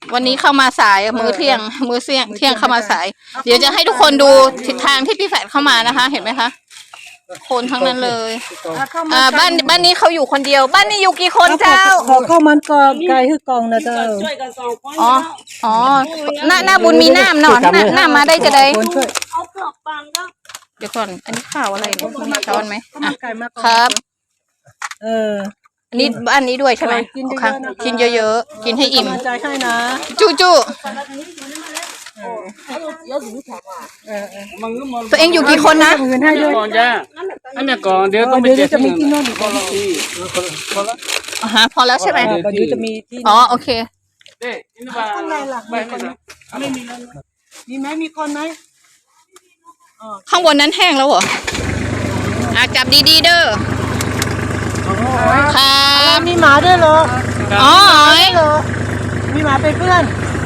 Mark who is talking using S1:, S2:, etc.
S1: วันนี้เข้ามาสายมื้อเที่ยงเข้ามาสายเดี๋ยวจะให้ทุกคนดูทิศทางที่พี่แฝดเข้ามานะคะ เห็นไหมคะคนทั้งนั้นเลยบ้านนี้เขาอยู่คนเดียวบ้านนี้อยู่กี่คนเจ้า
S2: ขอเข้ามันกองไกลคือกองนะเจ้า
S1: อ๋อหน้าบุญมีน้ำเนาะหน้ามาได้จะได้เดี๋ยวก่อนอันนี้ข้าวอะไรเนี่ยมีช้อนไหมครับอันนี้บ้านนี้ด้วยใช่ไหมค่ะกินเยอะๆกินให้อิ่ม
S2: ใจให้นะ
S1: จูตัวเองอยู่กี่คนนะ
S3: ก่อนจ้าอันนี้ก่อนเดี๋ยวต้องไปเจอ
S2: จะมีที่นอนอีกคนที่
S1: พอแล้วใช่ไหม
S2: เดี๋ยวจะมีที่
S1: โอเค
S2: ข้างในล่ะไม่มีแล้วมีไหมมีคนไหม
S1: ข้างบนนั้นแห้งแล้วเหรอจับดีๆเด้อ
S2: ครับมีหมาด้วยเหรอ
S1: อ๋อ
S2: มีหมาเป็นเพื่อน